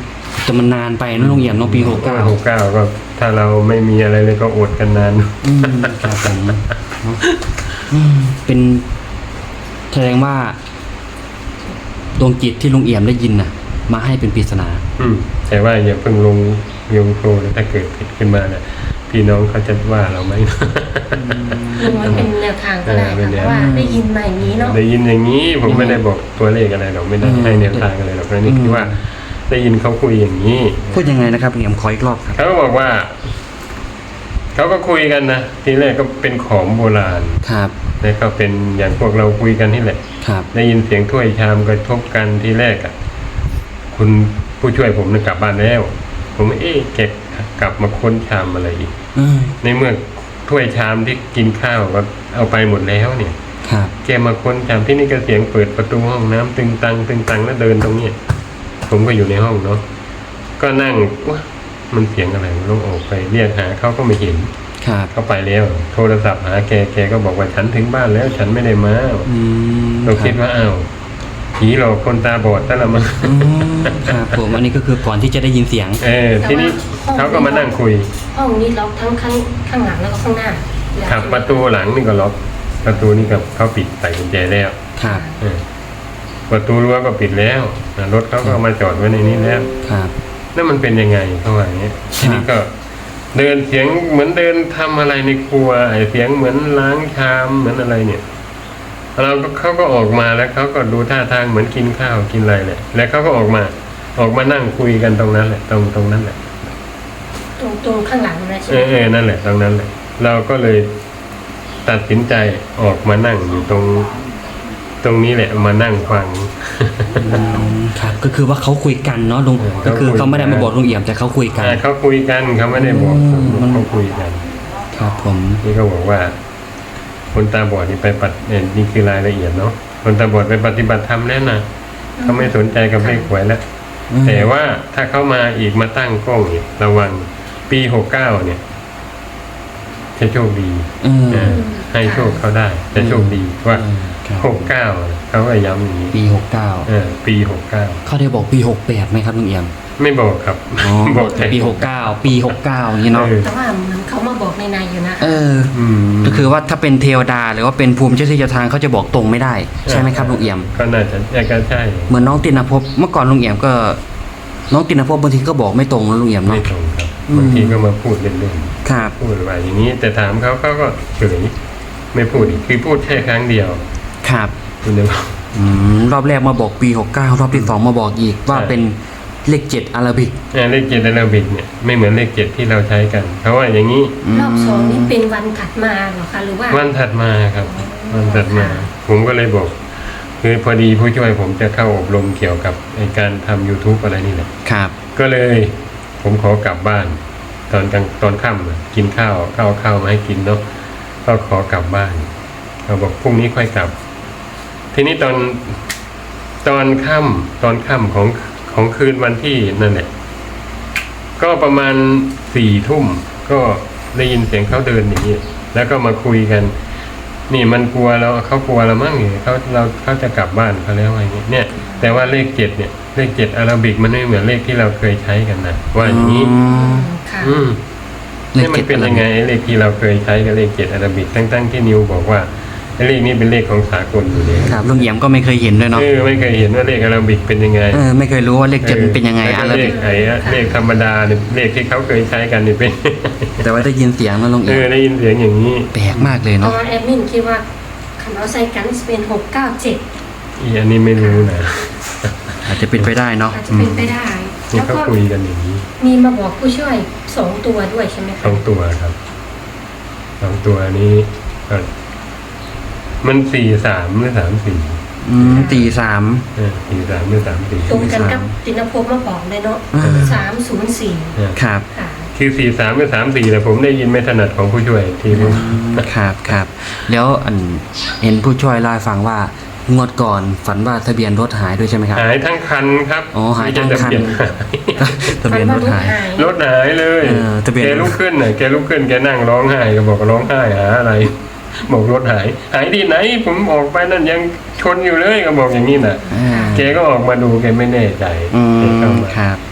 [SPEAKER 1] แต่มันนานไปนะลุงเอี่ยมเน้องปีหกเก้า
[SPEAKER 3] หกเก้าก็ถ้าเราไม่มีอะไรเลยก็อดกันนาน
[SPEAKER 1] อืมครับผมเนอะอืมเป็นแสดงว่าดวงจิตที่ลุงเอี่ยมได้ยินน่ะ มาให้เป็นปริศนา
[SPEAKER 3] อืมแต่ว่าอย่าเพิ่งลงยงโครนะถ้าเกิดผิดขึ้นมาเนี่ยพี่น้องเขาจะว่าเราไหม
[SPEAKER 2] ลุงมันเป็นแนวทางก็ได้
[SPEAKER 3] เออเป็
[SPEAKER 2] ค่ะ
[SPEAKER 3] นแนว
[SPEAKER 2] เพราะว่าได้ยินมาอย่างนี้เนาะ
[SPEAKER 3] ได้ยินอย่างนี้ผมไม่ได้บอกตัวเลขอะไรหรอกไม่ได้ให้แนวทางอะไรหรอกนะนี่คือว่าได้ยินเขาคุยอย่างนี้
[SPEAKER 1] พูดยังไงนะครับลุงเอี่ยมขออีกรอบครับ
[SPEAKER 3] เขาก็บอกว่าเขาก็คุยกันนะทีแรกก็เป็นของโบราณ
[SPEAKER 1] ครับ
[SPEAKER 3] แล้วก็เป็นอย่างพวกเราคุยกันนี่แหละ
[SPEAKER 1] ครับ
[SPEAKER 3] ได้ยินเสียงถ้วยชามกระทบกันทีแรกอ่ะคุณผู้ช่วยผมเนี่ยกลับบ้านแล้ว ผมเอ๊ะแกกลับมาค้นชามอะไรอีก
[SPEAKER 1] อืม
[SPEAKER 3] ในเมื่อถ้วยชามที่กินข้าวก็เอาไปหมดแล้วเนี่ย
[SPEAKER 1] ครับ
[SPEAKER 3] แกมาค้นชามที่นี่ก็เสียงเปิดประตูห้องน้ำตึงตังตึงตังแล้วเดินตรงเนี้ยผมก็อยู่ในห้องเนาะก็นั่งวะมันเสียงอะไรมันลงออกไปเรียกหาเขาก็ไม่เห็น
[SPEAKER 1] ครับ
[SPEAKER 3] เขาไปแล้ว โทรศัพท์หาแกแกก็บอกว่าฉันถึงบ้านแล้ว ฉันไม่ได้มา
[SPEAKER 1] อืม
[SPEAKER 3] เราคิดว่าอ้าวผีหลอกคนตาบอดแต่ละมัน
[SPEAKER 1] อืมครับผมอันนี้ก็คือก่อนที่จะได้ยินเสียง
[SPEAKER 3] เออทีนี้เขาก็มานั่งคุย
[SPEAKER 2] ห้องนี้ล็อกทั้งข้างข้างหลังแล้วก็ข้างหน้า
[SPEAKER 3] ครับประตูหลังนี่ก็ล็อกประตูนี่ก็เขาปิดใส่กุญแจแล้ว
[SPEAKER 1] ครับ
[SPEAKER 3] เออประตูรั้วก็ปิดแล้วอ่ะรถเขาก็เอามาจอดไว้ในนี้แล้ว
[SPEAKER 1] ครับ
[SPEAKER 3] นั่นมันเป็นยังไงเขาว่าอย่างเงี้ยทีนี้ก็เดินเสียงเหมือนเดินทำอะไรในครัวไอ้เสียงเหมือนล้างชามเหมือนอะไรเนี่ยเราก็เขาก็ออกมาแล้วเขาก็ดูท่าทางเหมือนกินข้าวกินอะไรแหละแล้วเขาก็ออกมาออกมานั่งคุยกันตรงนั้นแหละตรงตรงนั้นแหละ
[SPEAKER 2] ตรงตรงข้างหลังนะใช่
[SPEAKER 3] เอ
[SPEAKER 2] ไหม
[SPEAKER 3] อเออนั่นแหละตรงนั้นแหละเราก็เลยตัดสินใจออกมานั่งอยู่ตรง ตรงนี้แหละมานั่งฟัง
[SPEAKER 1] อืมครับก็คือว่าเขาคุยกันเนาะลุง
[SPEAKER 3] เออ
[SPEAKER 1] ก็คือ
[SPEAKER 3] เขาคุยกัน
[SPEAKER 1] เขาไม่ได้มาบอกลุงเอี่ยมแต่เขาคุยกัน
[SPEAKER 3] อ่าเขาคุยกันเขาไม่ได้บอกผม
[SPEAKER 1] อืม
[SPEAKER 3] เขาคุยกัน
[SPEAKER 1] ครับผม
[SPEAKER 3] นี่ก็บอกว่า คนตาบอดนี่ไปปัดเนี่ยนี่คือรายละเอียดเนาะคนตาบอดไปปฏิบัติธรรมแล้วนะเขาไม่สนใจกับเลขหวยแล้ว
[SPEAKER 1] อืม
[SPEAKER 3] แต่ว่าถ้าเขามาอีกมาตั้งกล้องเนี่ยระวังปีหกเก้าเนี่ยจะโชคดี
[SPEAKER 1] อืม
[SPEAKER 3] เออให้โชคเขาได้จะโชคดีว่า
[SPEAKER 1] อืมครับ
[SPEAKER 3] หกเก้าเขาก็ย้ำอย่างนี้
[SPEAKER 1] ปีหกเก้า
[SPEAKER 3] เออปีหกเก้า
[SPEAKER 1] เขาได้บอกปีหกแปดไหมครับลุงเอี่ยม
[SPEAKER 3] ไม่บอกครับ
[SPEAKER 1] อ๋อ
[SPEAKER 3] บอก
[SPEAKER 1] แต่ปีหกเก้าปีหกเก้าอย่างนี้เนาะ
[SPEAKER 3] เออ
[SPEAKER 2] แต่ว่ามันเขามาบอกในในอยู่นะ
[SPEAKER 1] เออ
[SPEAKER 3] อืม
[SPEAKER 1] ก็คือว่าถ้าเป็นเทวดาหรือว่าเป็นภูมิเจ้าที่เจ้าทางเขาจะบอกตรงไม่ได้ใช่ไหมครับลุงเอี่ยม
[SPEAKER 3] ก็น่าจะแยกกันใช่
[SPEAKER 1] เหมือนน้องตินภพเมื่อก่อนลุงเอี่ยมก็ น้องตินภพบางทีก็บอกไม่ตรงนะลุงเอี่ยม
[SPEAKER 3] ไม่
[SPEAKER 1] เนาะ
[SPEAKER 3] ตรงครับ
[SPEAKER 1] อืม
[SPEAKER 3] บางทีก็มาพูดเล่น
[SPEAKER 1] ครับ
[SPEAKER 3] ๆพูดว่าอย่างนี้ แต่ถามเขาเขาก็เฉยไม่พูดอีกคือพูดแค่ครั้งเดียว
[SPEAKER 1] ครับ
[SPEAKER 3] คุณจะบอก
[SPEAKER 1] อืมรอบแรกมาบอกปีหกเก้ารอบที่สองมาบอกอีกว่า
[SPEAKER 3] ใช่
[SPEAKER 1] เป็นเลขเจ็ดอาราบิก
[SPEAKER 3] เอ่อเลขเจ็ดอาราบิกเนี่ยไม่เหมือนเลขเจ็ดที่เราใช้กันเขาว่าอย่างนี้
[SPEAKER 2] รอบสองนี่เป็นวันถัดมาเหรอคะหรือว่า
[SPEAKER 3] วันถัดมาครับ วันถัดมา ผมก็เลยบอก คือพอดีผู้ช่วยผมจะเข้าอบรมเกี่ยวกับไอ้การทำ YouTube อะไรนี่แหละ
[SPEAKER 1] ครับ
[SPEAKER 3] ก็เลย ผมขอกลับบ้าน ตอนกลางตอนค่ำอะกินข้าวข้าวข้าวมาให้กินเนาะก็ขอกลับบ้านเขาบอกพรุ่งนี้ค่อยกลับ ทีนี้ตอนตอนค่ำตอนค่ำของของคืนวันที่นั่นแหละก็ประมาณสี่ทุ่มก็ได้ยินเสียงเขาเดินอย่างนี้แล้วก็มาคุยกัน นี่มันกลัวเราเขากลัวเรามั่งเนี่ยเขาเราเขาจะกลับบ้านเขาแล้วอะไรเงี้ยเนี่ย แต่ว่าเลขเจ็ดเนี่ยเลขเจ็ดอาราบิกมันไม่เหมือนเลขที่เราเคยใช้กันนะว่าอย่างนี้
[SPEAKER 1] อื
[SPEAKER 2] อื
[SPEAKER 1] ม
[SPEAKER 2] มค่ะ
[SPEAKER 3] อืม
[SPEAKER 1] เล
[SPEAKER 3] นี่
[SPEAKER 1] ข
[SPEAKER 3] มั
[SPEAKER 1] เจ็
[SPEAKER 3] น
[SPEAKER 1] ด
[SPEAKER 3] เป็น
[SPEAKER 1] อารา
[SPEAKER 3] ยัง
[SPEAKER 1] บิ
[SPEAKER 3] ไง
[SPEAKER 1] ก
[SPEAKER 3] ไอ้เลขที่เราเคยใช้กับเลขเจ็ดอาราบิกทั้งๆที่นิวบอกว่าไอ้เลขนี้เป็นเลขของสากลอยู่เลย
[SPEAKER 1] ครับลุงเอี่ยมก็ไม่เคยเห็นด้วยเนาะ
[SPEAKER 3] เออไม่เคยเห็นว่าเลขอาราบิกเป็นยังไง
[SPEAKER 1] เออไม่เคยรู้ว่าเลขเจ็ดมันเป็นยังไง
[SPEAKER 3] แล้ว
[SPEAKER 1] อา
[SPEAKER 3] ก็
[SPEAKER 1] รา
[SPEAKER 3] เล
[SPEAKER 1] บิ
[SPEAKER 3] ข
[SPEAKER 1] ก
[SPEAKER 3] ไอ้อะเลขธรรมดาเนี่ยเลขที่เขาเคยใช้กันนี่เป็น
[SPEAKER 1] แต่ว่าได้ยินเสียงนะลุง
[SPEAKER 3] เอ
[SPEAKER 1] เอี่ย
[SPEAKER 3] อ
[SPEAKER 1] ม
[SPEAKER 3] ได้ยินเสียงอย่างนี้
[SPEAKER 1] แปลกมากเลย
[SPEAKER 2] ตอ
[SPEAKER 1] เนาะ
[SPEAKER 2] นแอดมินคิดว่าคันเอาใส่กันจะเป็นหกเก้าเจ็ด
[SPEAKER 3] อีอันนี้ไม่รู้นะ
[SPEAKER 1] อาจจะเป็นไปได้เนาะ
[SPEAKER 2] อาจจะเป็นไปได้
[SPEAKER 3] นี่
[SPEAKER 2] แล้ว
[SPEAKER 3] เขา
[SPEAKER 2] ก็
[SPEAKER 3] คุยกันอย่างนี้
[SPEAKER 2] มีมาบอกผู้ช่วยสองตัวด้วยใช่ไหม
[SPEAKER 3] ส
[SPEAKER 2] คะ
[SPEAKER 3] องตัวครับสองตัวนี้ก็มันสี่สามหรือสามสี่
[SPEAKER 1] อืมตีสาม
[SPEAKER 3] เออสี่สามหรือสามสี่
[SPEAKER 2] ตรงกันกับตินภพมาบอกเลยเนาะ
[SPEAKER 1] อ่า
[SPEAKER 2] สามศูนย์สี่
[SPEAKER 3] เออ
[SPEAKER 1] ครับ
[SPEAKER 2] ค่ะ
[SPEAKER 3] คือสี่สามหรือสามสี่แต่ผมได้ยินไม่ถนัดของผู้ช่วยทีนึง
[SPEAKER 1] ครับครับแล้วอันเห็นผู้ช่วยเล่าให้ฟังว่างวดก่อนฝันว่าทะเบียนรถหายด้วยใช่ไหมครับ
[SPEAKER 3] หายทั้งคันครับ
[SPEAKER 1] อ๋อหายทั้งคัน
[SPEAKER 3] ไม่ใช่ทะเบียนหาย
[SPEAKER 1] ทะเบียนรถหาย
[SPEAKER 3] รถหายเลย
[SPEAKER 1] เออทะเบียน
[SPEAKER 3] แกลุกขึ้นน่ะแกลุกขึ้นแกนั่งร้องไห้ก็บอกว่าร้องไห้หาอะไร บอกรถหาย หายที่ไหน ผมออกไปนั่นยังชนอยู่เลยก็บอกอย่างนี้น่ะ
[SPEAKER 1] อ่า
[SPEAKER 3] แกก็ออกมาดูแกไม่แน่ใจ
[SPEAKER 1] อื
[SPEAKER 3] แก
[SPEAKER 1] ม
[SPEAKER 3] เข้ามา
[SPEAKER 1] ครับ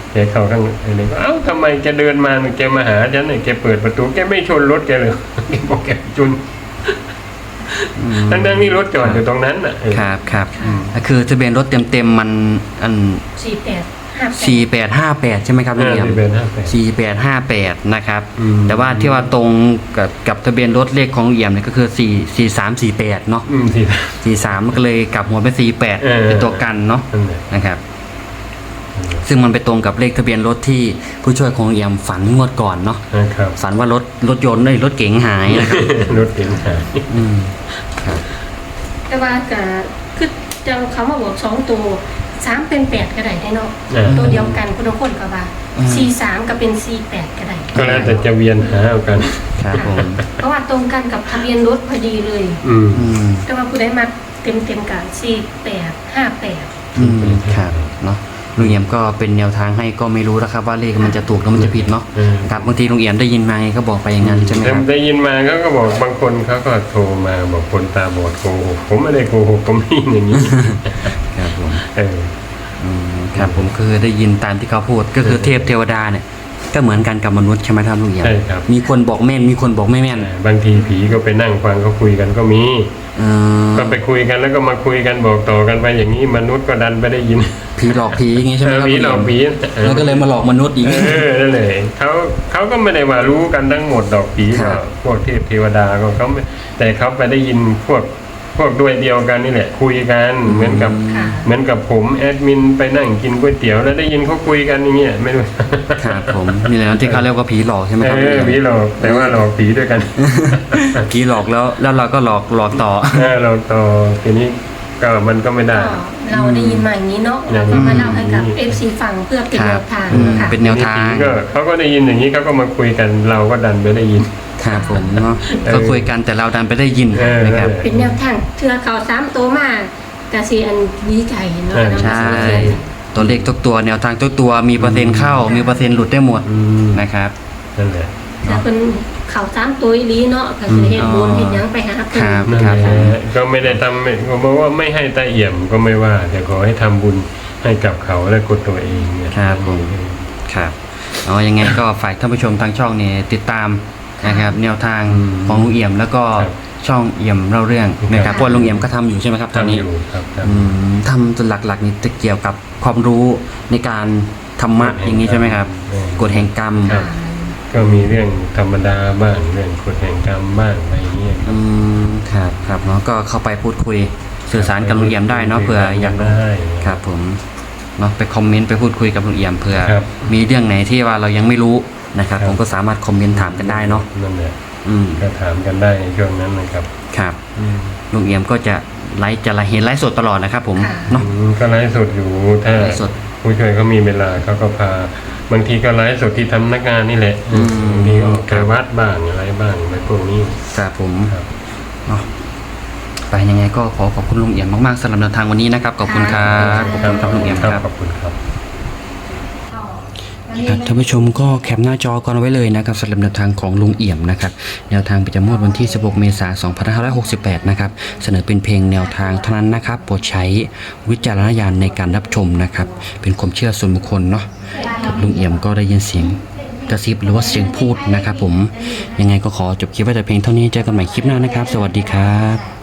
[SPEAKER 3] แกเข้าข้างในก็เอ้าทำไมแกเดินมาแกมาหาฉันเนี่ยแกเปิดประตูแกไม่ชนรถแกเลย แกบอกแกชน
[SPEAKER 1] อืม
[SPEAKER 3] ทั้งๆนี่รถจอดอยู่ตรงนั้นน่ะเออ
[SPEAKER 1] ครับครับ
[SPEAKER 3] อืม
[SPEAKER 1] ก็คือทะเบียนรถเต็มๆมันอัน
[SPEAKER 2] สี่แปดห้าแปด
[SPEAKER 1] สี่แปดห้าแปดใช่ไหมครับลุงเอี่ยม
[SPEAKER 3] ทะเบียนห้าแปด
[SPEAKER 1] สี่แปดห้าแปดนะครับ
[SPEAKER 3] อืม
[SPEAKER 1] แต่ว่าที่ว่าตรงกับกับทะเบียนรถเลขของลุงเอี่ยมเนี่ยก็คือสี่สี่สามสี่แปดเนาะ
[SPEAKER 3] อืมสิ
[SPEAKER 1] สี่สามมันก็เลยกลับหัวเป็นสี่แปด
[SPEAKER 3] เออ
[SPEAKER 1] เป็นตัวกันเนาะ
[SPEAKER 3] นั่นแหละ
[SPEAKER 1] นะครับ ซึ่งมันไปตรงกับเลขทะเบียนรถที่ผู้ช่วยของลุงเอี่ยมฝันงวดก่อนเนาะ
[SPEAKER 3] นะครับ
[SPEAKER 1] ฝันว่ารถรถยนต์เอ้ยรถเก๋งหายนะครับ
[SPEAKER 3] รถเก๋งหาย
[SPEAKER 1] อืมครับ
[SPEAKER 2] แต่ว่าก็คือจังเขามาบอกสองตัวสามเป็นแปดก็ได้ได้เนาะ
[SPEAKER 3] อ่า
[SPEAKER 2] ตัวเดียวกันคุณทุกคนก็ว่าสี่สามก็เป็นสี่แปดก็ได้
[SPEAKER 3] ก็แล้วแต่จะเวียนหาเอากัน
[SPEAKER 1] ครับผม
[SPEAKER 2] เพราะว่าตรงกันกับทะเบียนรถพอดีเลย
[SPEAKER 3] อืม
[SPEAKER 1] อืม
[SPEAKER 2] แต่ว่าผู้ใดมาเต็มเต็มๆกับสี่แปดห้าแปด
[SPEAKER 1] อืมครับเนาะลุงเอี่ยมก็เป็นแนวทางให้ก็ไม่รู้นะครับว่าเลขมันจะถูกหรือมันจะผิดเนาะ
[SPEAKER 3] เออ
[SPEAKER 1] ครับบางทีลุงเอี่ยมได้ยินมาไงก็บอกไปอย่างนั้นใช่ไหมครับ
[SPEAKER 3] ได้ยินมาเขาก็บอกบางคนเขาก็โทรมาบอกคนตาบอดโกหกผมไม่ได้โกหกผมไม่อย่างนี้
[SPEAKER 1] ครับผม
[SPEAKER 3] เออ
[SPEAKER 1] อืมครับผมคือได้ยินตามที่เขาพูดก็คือเทพเทวดาเนี่ยก็เหมือนกันกับมนุษย์ใช่ไหมครับลุงเอี่ยม
[SPEAKER 3] ใช่ครับ
[SPEAKER 1] มีคนบอกแม่นมีคนบอกไม่แม่น
[SPEAKER 3] บางทีผีก็ไปนั่งฟังเขาคุยกันก็มี
[SPEAKER 1] เออ
[SPEAKER 3] ก็ไปคุยกันแล้วก็มาคุยกันบอกต่อกันไปอย่างนี้มนุษย์ก็ดันไปได้ยิน
[SPEAKER 1] ผีหลอกผีอย่างงี้ใช่ไหมครับ
[SPEAKER 3] ผีหลอกผี
[SPEAKER 1] แล้วก็เลยมาหลอกมนุษย์อีก
[SPEAKER 3] เออนั่นเลยเขาเขาก็ไม่ได้ว่ารู้กันทั้งหมดดอกผี
[SPEAKER 1] ครั
[SPEAKER 3] ก็
[SPEAKER 1] บ
[SPEAKER 3] พวกเทพเทวดาก็เขาไม่แต่เขาไปได้ยินพวกพวกด้วยเดียวกันนี่แหละ คุยกันเหมือนกับ
[SPEAKER 2] ค่ะ
[SPEAKER 3] เหมือนกับผมแอดมินไปนั่งกินก๋วยเตี๋ยวแล้วได้ยินเขาคุยกันอย่างเงี้ยไม่รู้
[SPEAKER 1] ครับผมนี่แหละที่เขาเรียกว่าผีหลอกใช่ไหมครับ
[SPEAKER 3] เออผีหลอกแต่ว่าหลอกผีด้วยกัน
[SPEAKER 1] ผีหลอกแล้วแล้วเราก็หลอกหลอกต่อ
[SPEAKER 3] เออเราต่อทีนี้ก็มันก็ไม่ได้
[SPEAKER 2] ก็เราได้ยินมาอย่างนี้เนาะ
[SPEAKER 3] อืม
[SPEAKER 2] เราก็มาเล่าให้กับเอฟซีฟังเพื่อเป็น
[SPEAKER 1] ค
[SPEAKER 2] แน
[SPEAKER 1] รับ
[SPEAKER 2] วทาง
[SPEAKER 1] อืม
[SPEAKER 2] ค่ะ
[SPEAKER 1] เป็นแนวทาง
[SPEAKER 3] ผีก็เขาก็ได้ยินอย่างนี้เขาก็มาคุยกันเราก็ดันไปได้ยิน
[SPEAKER 1] ครับผมเนาะ
[SPEAKER 3] เออ
[SPEAKER 1] ก็คุยกันแต่เราดันไปได้ยิน
[SPEAKER 3] เออ
[SPEAKER 1] นะครับ
[SPEAKER 2] เป็นแนวทางเทือเขาสามตัวมากกะสีอันดีใจเนาะ
[SPEAKER 3] เออ
[SPEAKER 1] ใช่ ตัวเลขทุกตัวแนวทางทุกตัวมีเปอร์เซ็นต์เข้า มีเปอร์เซ็นต์หลุดได้หมด
[SPEAKER 3] อืม
[SPEAKER 1] นะครับ
[SPEAKER 3] นั่นแหละ
[SPEAKER 2] แต่เป็นเขาสามตัวอีหลีเนาะก็สิเฮ็ดบุญเฮ็ดหยังไปหาเพิ่น
[SPEAKER 1] ครับ
[SPEAKER 3] นั่นแหละก็ไม่ได้ทำไม่ก็บอกว่าไม่ให้ตาเอี่ยมก็ไม่ว่า แต่ขอให้ทำบุญให้กับเขาและกดตัวเองเนี่ย
[SPEAKER 1] ครับผม ครับเอายังไงก็ฝากท่านผู้ชมทางช่องเนี่ยติดตามนะครับแนวทางของลุงเอี่ยมแล้วก็ช่องเอี่ยมเล่าเรื่องนะครับเพราะว่าลุงเอี่ยมก็ทำอยู่ใช่ไหมครับตอน
[SPEAKER 3] ทำ
[SPEAKER 1] นี้
[SPEAKER 3] อยู่ครับครับ
[SPEAKER 1] อืมทำจนหลักๆนี่จะเกี่ยวกับความรู้ในการธรรมะอย่างนี้ใช่ไหมครับ
[SPEAKER 3] เออ
[SPEAKER 1] กฎแห่งกรรม
[SPEAKER 3] ครับ ก็มีเรื่องธรรมดาบ้างเรื่องกฎแห่งกรรมบ้างอะไรอย่างเงี้ย
[SPEAKER 1] อืมครับครับเนาะก็เข้าไปพูดคุยสื่อสารกับลุงเอี่ยมได้เนาะเผื่ออยากรู้
[SPEAKER 3] ได้
[SPEAKER 1] ครับผมเนาะไปคอมเมนต์ไปพูดคุยกับลุงเอี่ยมเผื่อ
[SPEAKER 3] ครับ
[SPEAKER 1] มีเรื่องไหนที่ว่าเรายังไม่รู้นะครับ
[SPEAKER 3] ครับ
[SPEAKER 1] ผมก็สามารถคอมเมนต์ถามกันได้เนาะ
[SPEAKER 3] นั่นแหละ
[SPEAKER 1] อืม
[SPEAKER 3] ก็ถามกันได้ในช่วงนั้นนะครับ
[SPEAKER 1] ครับลุงเอี่ยมก็จะไลฟ์จะไลฟ์เห็นไลฟ์สดตลอดนะครับผม
[SPEAKER 2] ค่ะ
[SPEAKER 1] เนาะ
[SPEAKER 3] อืมก็ไลฟ์สดอยู่ถ้า
[SPEAKER 1] ไลฟ์สด
[SPEAKER 3] ผู้ช่วยเขามีเวลาเขาก็พาบางทีก็ไลฟ์สดที่ทำนักงานนี่แหละ
[SPEAKER 1] อืม
[SPEAKER 3] บางทีก็ไปวัดบ้างอะไรบ้างอะไรพวกนี้
[SPEAKER 1] ครับผม
[SPEAKER 3] ครับ
[SPEAKER 1] เนาะไปยังไงก็ขอขอบคุณลุงเอี่ยมมากๆสำหรับแนวทางวันนี้นะครับขอบคุณครับขอบคุณครับลุงเอี่ยมครับ
[SPEAKER 3] ขอบคุณครับ
[SPEAKER 1] ครับท่านผู้ชมก็แคปหน้าจอกันไว้เลยนะครับสำหรับแนวทางของลุงเอี่ยมนะครับแนวทางประจำงวดวันที่สิบหกเมษายนสองพันห้าร้อยหกสิบแปดนะครับเสนอเป็นเพลงแนวทางเท่านั้นนะครับโปรดใช้วิจารณญาณในการรับชมนะครับเป็นความเชื่อส่วนบุคคลเนาะครับลุงเอี่ยมก็ได้ยินเสียงกระซิบหรือว่าเสียงพูดนะครับผมยังไงก็ขอจบคลิปไว้แต่เพียงเท่านี้เจอกันใหม่คลิปหน้านะครับ สวัสดีครับ